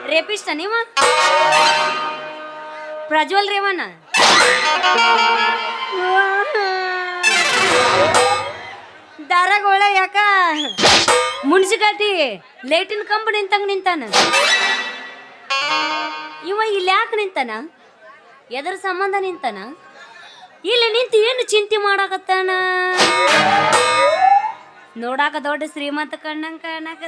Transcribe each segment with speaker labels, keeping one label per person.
Speaker 1: ರೇಪಿಸ್ಟ ನೀವ ಪ್ರಜ್ವಲ್ ರೇವಣ್ಣ ದಾರಗೋಳ ಯಾಕ ಮುನ್ಸಿಪಾಲ್ಟಿ ಲೇಟಿನ ಕಂಬ ನಿಂತಂಗ ನಿಂತಾನ ಇವ ಇಲ್ಲಿ ಯಾಕೆ ನಿಂತಾನ ಎದರ ಸಂಬಂಧ ನಿಂತಾನ ಇಲ್ಲಿ ನಿಂತು ಏನು ಚಿಂತೆ ಮಾಡಾಕತ್ತಾನ ನೋಡಾಕ ದೊಡ್ಡ ಶ್ರೀಮಂತ ಕಣ್ಣಂಗ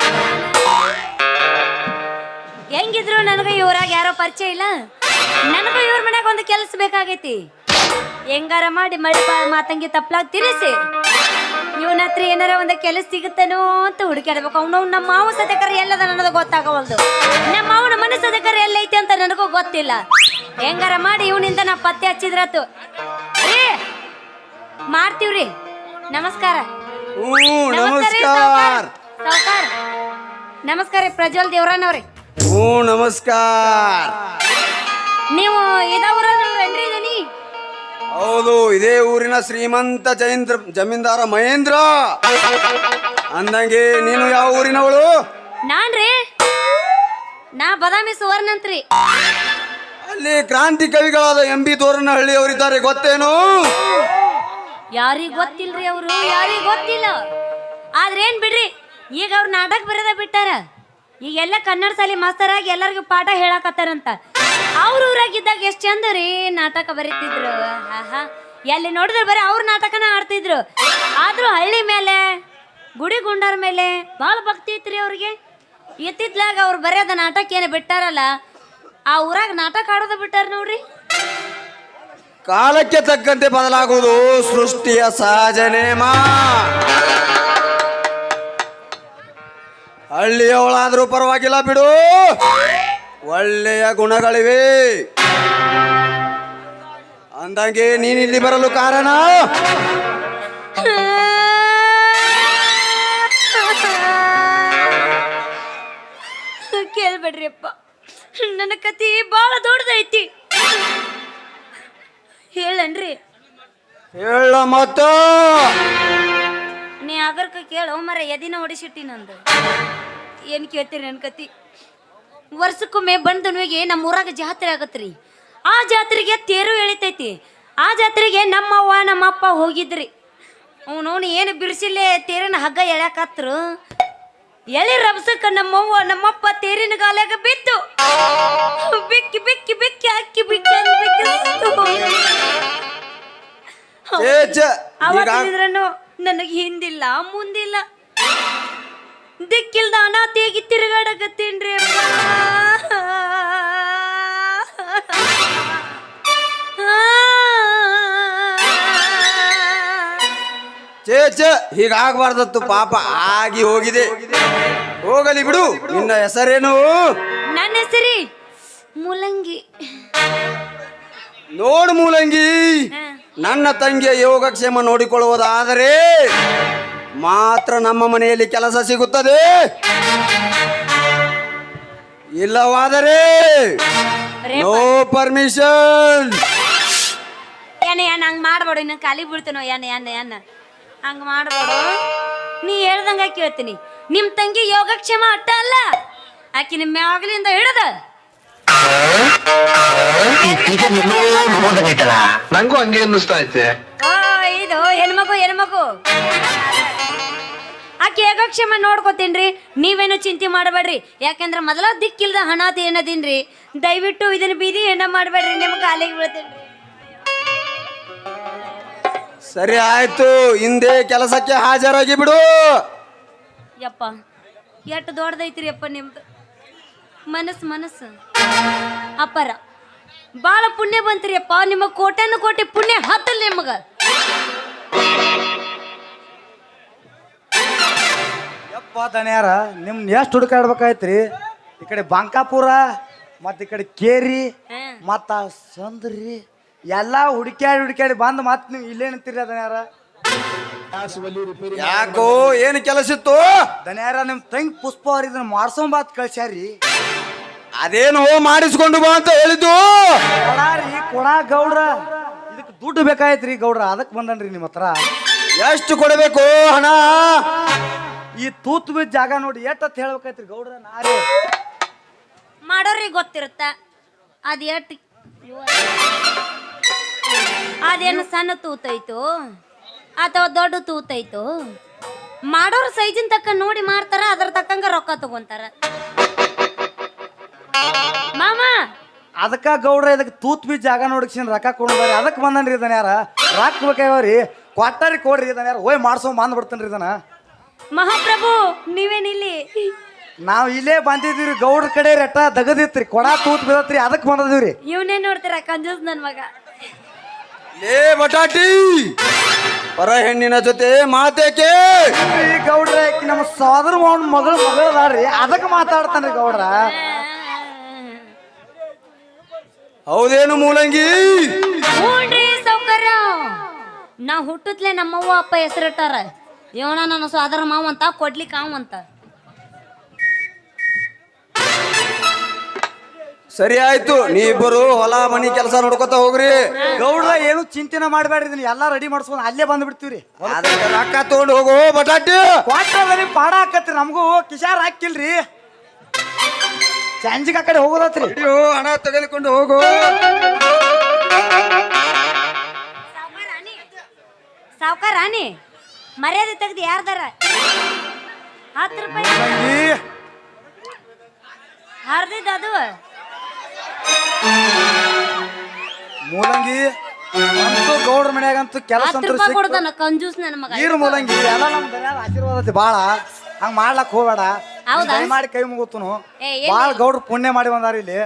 Speaker 1: ಹೆಂಗಿದ್ರು ನನಗ ಇವ್ರಾಗ ಯಾರೋ ಪರಿಚಯ ಇಲ್ಲ ನನಗ ಇವ್ರ ಮನ್ಯಾಗ ಒಂದು ಕೆಲಸ ಬೇಕಾಗೈತಿ ಹೆಂಗಾರ ಮಾಡಿ ಮಳೆ ಮಾತಂಗಿ ತಪ್ಪಲಾಗ ತಿರ್ಸಿ ಇವನ ಹತ್ರ ಏನಾರ ಒಂದು ಕೆಲಸ ಸಿಗುತ್ತಾನೋ ಅಂತ ಹುಡುಕಾಡ್ಬೇಕು ಅವನು ನಮ್ಮ ಮಾವ ಸದಕರ ಎಲ್ಲದ ನನಗೆ ಗೊತ್ತಾಗವಲ್ದು ನಮ್ಮ ಮಾವನ ಮನೆ ಸದಕರ ಎಲ್ಲೈತಿ ಅಂತ ನನಗೂ ಗೊತ್ತಿಲ್ಲ ಹೆಂಗಾರ ಮಾಡಿ ಇವನಿಂದ ನಾ ಪತ್ತೆ ಹಚ್ಚಿದ್ರತು ರೀ ಮಾಡ್ತೀವ್ರಿ ನಮಸ್ಕಾರ
Speaker 2: ನಮಸ್ಕಾರ
Speaker 1: ಸಾವ್ಕಾರ ನಮಸ್ಕಾರ ಪ್ರಜ್ವಲ್ ದೇವ್ರನವ್ರಿ
Speaker 2: ನಮಸ್ಕಾರ
Speaker 1: ನೀವು ಇದ ಊರನ್ರಿ ಇದೀನಿ
Speaker 2: ಹೌದು ಇದೇ ಊರಿನ ಶ್ರೀಮಂತ ಜಮೀನ್ದಾರ ಮಹೇಂದ್ರ ಅಂದಂಗೆ ನೀನು ಯಾವ ಊರಿನವಳು
Speaker 1: ನಾನ್ರಿ ನಾ ಬದಾಮಿ ಸುವರ್ಣ ಅಂತ್ರಿ
Speaker 2: ಅಲ್ಲಿ ಕ್ರಾಂತಿ ಕವಿಗಳಾದ ಎಂಬಿ ತೋರನಹಳ್ಳಿ ಅವರಿದ್ದಾರೆ ಗೊತ್ತೇನು
Speaker 1: ಯಾರಿಗ್ ಗೊತ್ತಿಲ್ರಿ ಅವರು ಯಾರಿಗ್ ಗೊತ್ತಿಲ್ಲ ಆದ್ರೆ ಏನ್ ಬಿಡ್ರಿ ಈಗ ಅವ್ರ ನಾಟಕ ಬರೆದ ಬಿಟ್ಟಾರ ಈಗ ಎಲ್ಲ ಕನ್ನಡ ಶಾಲೆ ಮಾಸ್ತರಾಗಿ ಎಲ್ಲರಿಗೂ ಪಾಠ ಹೇಳಕತ್ತಾರಂತ ಅವ್ರ ಊರಾಗಿದ್ದಾಗ ಎಷ್ಟ್ ಚಂದ ರೀ ನಾಟಕ ಬರೀತಿದ್ರು ಎಲ್ಲಿ ನೋಡಿದ್ರೆ ಬರೀ ಅವ್ರ ನಾಟಕನ ಆಡ್ತಿದ್ರು ಆದ್ರೂ ಹಳ್ಳಿ ಮೇಲೆ ಗುಡಿ ಗುಂಡಾರ ಮೇಲೆ ಭಾಳ ಭಕ್ತಿ ಇತ್ರಿ ಅವ್ರಿಗೆ ಇತ್ತಿತ್ಲಾಗ ಅವ್ರು ಬರೆಯೋದ ನಾಟಕ ಏನು ಬಿಟ್ಟಾರಲ್ಲ ಆ ಊರಾಗ ನಾಟಕ ಆಡೋದ ಬಿಟ್ಟಾರ ನೋಡ್ರಿ
Speaker 2: ಕಾಲಕ್ಕೆ ತಕ್ಕಂತೆ ಬದಲಾಗುವುದು ಸೃಷ್ಟಿಯ ಸಹಜ ನೇಮ ಹಳ್ಳಿಯವಳಾದ್ರೂ ಪರವಾಗಿಲ್ಲ ಬಿಡು ಒಳ್ಳೆಯ ಗುಣಗಳಿವೆ ಅಂದಂಗೆ ನೀನಿಲ್ಲಿ ಬರಲು ಕಾರಣ
Speaker 1: ಕೇಳ್ಬೇಡ್ರಿ ಅಪ್ಪ ನನ್ನ ಕತಿ ಬಾಳ ದೊಡ್ಡದೈತಿ ಹೇಳನ್ರಿ
Speaker 2: ಹೇಳ ಮತ್ತ
Speaker 1: ನೀ ಆಗರ್ಕ ಕೇಳೋ ಮರ ಎದಿನ ಹೊಡಿಸಿಟ್ಟಿ ನಂದು ಏನ್ ಕೇಳ್ತೀರಿ ನನ್ನ ಕತಿ ವರ್ಷಕ್ಕೊಮ್ಮೆ ಬಂದನಿಗೆ ನಮ್ಮ ಊರಾಗ ಜಾತ್ರೆ ಆಗತ್ರಿ ಆ ಜಾತ್ರೆಗೆ ತೇರು ಎಳಿತೈತಿ ಆ ಜಾತ್ರೆಗೆ ನಮ್ಮವ್ವ ನಮ್ಮಪ್ಪ ಹೋಗಿದ್ರಿ ಅವನವನು ಏನು ಬಿರ್ಸಿಲ್ಲೇ ತೇರಿನ ಹಗ್ಗ ಎಳ್ಯಾಕತ್ರು ಎಳಿ ರಭಸಕ್ಕ ನಮ್ಮವ್ವ ನಮ್ಮಪ್ಪ ತೇರಿನ ಗಾಲಾಗ ಬಿದ್ದು ಬಿಕ್ಕಿ ಬಿಕ್ಕಿ ಬಿಕ್ಕಿ ಅಕ್ಕಿ ಬಿಕ್ಕಿ ಅವತ್ತಿದ್ರನು ನನಗೆ ಹಿಂದಿಲ್ಲ ಮುಂದಿಲ್ಲ ದಿಕ್ಕಿಲ್ದ ಅನಾಥಿಯಾಗಿ ತಿರುಗಾಡಕತ್ತೀನ್ರಿ
Speaker 2: ಹೀಗಾಗಬಾರ್ದತ್ತು ಪಾಪ ಆಗಿ ಹೋಗಿದೆ ಹೋಗಲಿ ಬಿಡು ನಿನ್ನ ಹೆಸರೇನು
Speaker 1: ನನ್ನ ಹೆಸರಿ ಮೂಲಂಗಿ
Speaker 2: ನೋಡು ಮೂಲಂಗಿ ನನ್ನ ತಂಗಿಯ ಯೋಗಕ್ಷೇಮ ನೋಡಿಕೊಳ್ಳುವುದಾದರೆ ಮಾತ್ರ ನಮ್ಮ ಮನೆಯಲ್ಲಿ ಕೆಲಸ ಸಿಗುತ್ತದೆ ಇಲ್ಲವಾದರೆ ನೋ ಪರ್ಮಿಷನ್
Speaker 1: ಏನ ಹಂಗ್ ಮಾಡ್ಬೇಡು ಇನ್ನ ಖಾಲಿ ಬೀಳ್ತೇನೋ ಏನ ಹಂಗ ಮಾಡ್ಬೇಡು ನೀ ಹೇಳ್ದಂಗ ಕೇಳ್ತೀನಿ ನಿಮ್ ತಂಗಿ ಯೋಗಕ್ಷೇಮ ಅಟ್ಟ ಅಲ್ಲ ಆಕಿ ನಿಮ್ಮ ಮ್ಯಾಗಲಿಂದ ಹಿಡದ
Speaker 3: ನಂಗೂ ಹಂಗೆ ಅನ್ನಿಸ್ತಾ ಐತೆ
Speaker 1: ಇದು ಹೆಣ್ಮಗು ಆಕೆ ಯೋಗಕ್ಷೇಮ ನೋಡ್ಕೋತೀನ್ರಿ ನೀವೇನು ಚಿಂತೆ ಮಾಡಬೇಡ್ರಿ ಯಾಕಂದ್ರೆ ಮೊದಲ ದಿಕ್ಕಿಲ್ದ ಹಣಾತ ಏನದೀನ್ರಿ ದಯವಿಟ್ಟು ಇದನ್ನ ಬೀದಿ ಹೆಣ್ಣ ಮಾಡಬೇಡ್ರಿ ನಿಮ್ಗೆ ಕಾಲಿಗೆ ಬೀಳ್ತೇನ್ರಿ
Speaker 2: ಸರಿ ಆಯ್ತು ಹಿಂದೆ ಕೆಲಸಕ್ಕೆ ಹಾಜರಾಗಿ ಬಿಡು
Speaker 1: ಯಪ್ಪ ಎಷ್ಟು ದೊಡ್ಡದೈತ್ರಿ ಅಪ್ಪ ನಿಮ್ದು ಮನಸ್ಸು ಅಪ್ಪರ ಬಾಳ ಪುಣ್ಯ ಬಂತ್ರಿ ಅಪ್ಪ ನಿಮ್ಮ ಕೋಟ್ಯಾನು ಕೋಟಿ ಪುಣ್ಯ ಹತ್ತಲ್ ನಿಮಗ
Speaker 4: ಯಪ್ಪ ದನ್ಯಾರ ನಿಮ್ನ ಎಷ್ಟು ಹುಡುಕಾಡ್ಬೇಕಾಯ್ತ್ರಿ ಈ ಕಡೆ ಬಾಂಕಾಪುರ ಮತ್ತು ಈ ಕಡೆ ಕೇರಿ ಮತ್ತು ಸಂದ್ರಿ ಎಲ್ಲ ಹುಡುಕ್ಯಾಡಿ ಬಂದು ಮತ್ತೆ ನೀವು ಇಲ್ಲೇ ನಿಂತೀರಿ ದನ್ಯಾರ
Speaker 2: ಯಾಕೋ ಏನು ಕೆಲಸ ಇತ್ತು
Speaker 4: ದನ್ಯಾರ ನಿಮ್ಮ ತಂಗಿ ಪುಷ್ಪ ಅವ್ರ ಇದನ್ನ ಮಾಡ್ಸೊಂಬಾತ್ ಕಳ್ಸ್ಯಾರಿ
Speaker 2: ಅದೇನು ಮಾಡಿಸ್ಕೊಂಡು ಬಾ ಅಂತ ಹೇಳಿದ್ದು
Speaker 4: ಕೊಡ ಗೌಡ್ರ ಇದಕ್ಕೆ ದುಡ್ಡು ಬೇಕಾಯ್ತ್ರಿ ಗೌಡ್ರ ಅದಕ್ಕೆ ಬಂದನ್ರಿ ನಿಮ್ಮ ಹತ್ರ
Speaker 2: ಎಷ್ಟು ಕೊಡಬೇಕು ಹಣ
Speaker 4: ಈ ತೂತ್ ಬಿದ್ದ ಜಾಗ ನೋಡಿ ಎಷ್ಟತ್ ಹೇಳ್ಬೇಕಾಯ್ತ್ರಿ ಗೌಡ್ರ ನಾರೇ
Speaker 1: ಮಾಡೋರಿಗೆ ಗೊತ್ತಿರುತ್ತ ಅದ್ ಎಟ್ ಅದೇನು ಸಣ್ಣ ತೂತೈತು ಅಥವಾ ದೊಡ್ಡ ತೂತೈತು ಮಾಡೋರು ಸೈಜಿನ ತಕ್ಕ ನೋಡಿ ಮಾಡ್ತಾರ ಅದ್ರ ತಕ್ಕಂಗ ರೊಕ್ಕ ತಗೊಂತಾರ ಮಾಮ.
Speaker 4: ಅದಕ್ಕ ಗೌಡ್ರ ಇದಕ್ಕೆ ತೂತ್ ಬಿ ಜಾಗ ನೋಡಕ್ಸಿನ್ ರೊಕ್ಕ ಕೊಡ್ಬಾರಿ ಅದಕ್ಕೆ ಬಂದನ್ರಿ ಇದನ್ನ ಯಾರ ರೊಕ್ಕ ಬೇಕಾಗ್ಯಾವ್ರಿ ಕೊಟ್ಟಾರಿ ಕೊಡ್ರಿ ಇದನ್ನ ಯಾರು ಹೋಯ್ ಮಾಡ್ಸೋ ಬಂದ್ ಬಿಡ್ತೇನ್ರಿ ಇದನ್ನ.
Speaker 1: ಮಹಾಪ್ರಭು ನೀವೇನಿಲ್ಲಿ?
Speaker 4: ನಾವ್ ಇಲ್ಲೇ ಬಂದಿದ್ದೀವ್ರಿ ಗೌಡ್ರ ಕಡೆ ರೆಟ್ಟ ದಗದಿತ್ರಿ ಕೊಡ ತೂತ್ ಬಿದತ್ರಿ ಅದಕ್ಕೆ ಬಂದಿವ್ರಿ.
Speaker 1: ಇವನೇ ನೋಡ್ತೀರ ಕಂಜೂಸ್ ನನ್ ಮಗ.
Speaker 2: ಲೇ ಬಟಾಟಿ ಪರ ಹೆಣ್ಣಿನ ಜೊತೆ ಮಾತೇಕೆ?
Speaker 4: ಈ ಗೌಡ್ರ ಆಕಿ ನಮ್ಮ ಸೋದರ ಮಾವನ ಮಗಳು ಅದಾಳ್ರಿ ಅದಕ್ಕೆ ಮಾತಾಡ್ತಾನ್ರಿ ಗೌಡ್ರ.
Speaker 2: ಹೌದೇನು ಮೂಲಂಗಿ?
Speaker 1: ಹ್ಞೂನ್ರಿ ಸೌಕರ್ಯ. ನಾ ಹುಟ್ಟತ್ಲೆ ನಮ್ಮವ್ವ ಅಪ್ಪ ಹೆಸರಿಟ್ಟಾರ ಇವನ ನನ್ನ ಸೋದರ ಮಾವ ಅಂತ ಕೊಡ್ಲಿಕ್ಕೆ ಅವಂತ.
Speaker 2: ಸರಿ ಆಯ್ತು, ನೀ ಇಬ್ಬರು ಹೊಲ ಮನಿ ಕೆಲಸ ನೋಡ್ಕೊತ ಹೋಗ್ರಿ.
Speaker 4: ಗೌಡ್ರ ಏನು ಚಿಂತೆನ ಮಾಡ್ಬೇಡ್ರಿ ಇದನ್ನ ಎಲ್ಲಾ ರೆಡಿ ಮಾಡ್ಸ್ಕೊಂಡ್ ಅಲ್ಲೇ ಬಂದ್ ಬಿಡ್ತೀವ್ರಿ.
Speaker 2: ಅದಕ್ಕೆ ರೊಕ್ಕ ತಗೊಂಡು ಹೋಗು ಬಟಾಟಿ.
Speaker 4: ಕ್ವಾಟ್ರದಲ್ಲಿ ಪಾಡ ಹಾಕತ್ರಿ ನಮಗೂ ಕಿಶಾರ್ ಹಾಕಿಲ್ರಿ ಸಂಜಿಗೆ ಆ ಕಡೆ ಹೋಗೋದತ್ರಿ.
Speaker 2: ಅಯ್ಯೋ, ಹಣ ತೆಗೆದುಕೊಂಡು ಹೋಗು.
Speaker 1: ಸಾವ್ಕಾರ ರಾಣಿ ಮರ್ಯಾದೆ ತೆಗ್ದು ಯಾರ್ದಾರ 10 ರೂಪಾಯಿ ಹರ್ದಿದ್ದ ಅದು
Speaker 4: ಮೂಲಂಗಿ ಅಂತೂ ಗೌಡ್ರ ಮನ್ಯಾಗಂತೂ ಕೆಲಸ
Speaker 1: 10 ರೂಪಾಯಿ ಕೊಡ್ತಾನ ಕಂಜೂಸ್ ನನ್ನ ಮಗ.
Speaker 4: ನೀರು ಮೂಲಂಗಿ ಎಲ್ಲ ನಮ್ ದನ್ಯಾದ ಆಶೀರ್ವಾದ ಐತಿ ಬಾಳ ಹಂಗ ಮಾಡ್ಲಕ್ ಹೋಗ್ಬೇಡ.
Speaker 1: ಹೌದಾ?
Speaker 4: ಮಾಡಿ ಕೈ ಮುಗುತ್ತನು
Speaker 1: ಏ,
Speaker 4: ಬಾಳ ಗೌಡ್ರು ಪುಣ್ಯ ಮಾಡಿ ಬಂದಾರ ಇಲ್ಲಿ.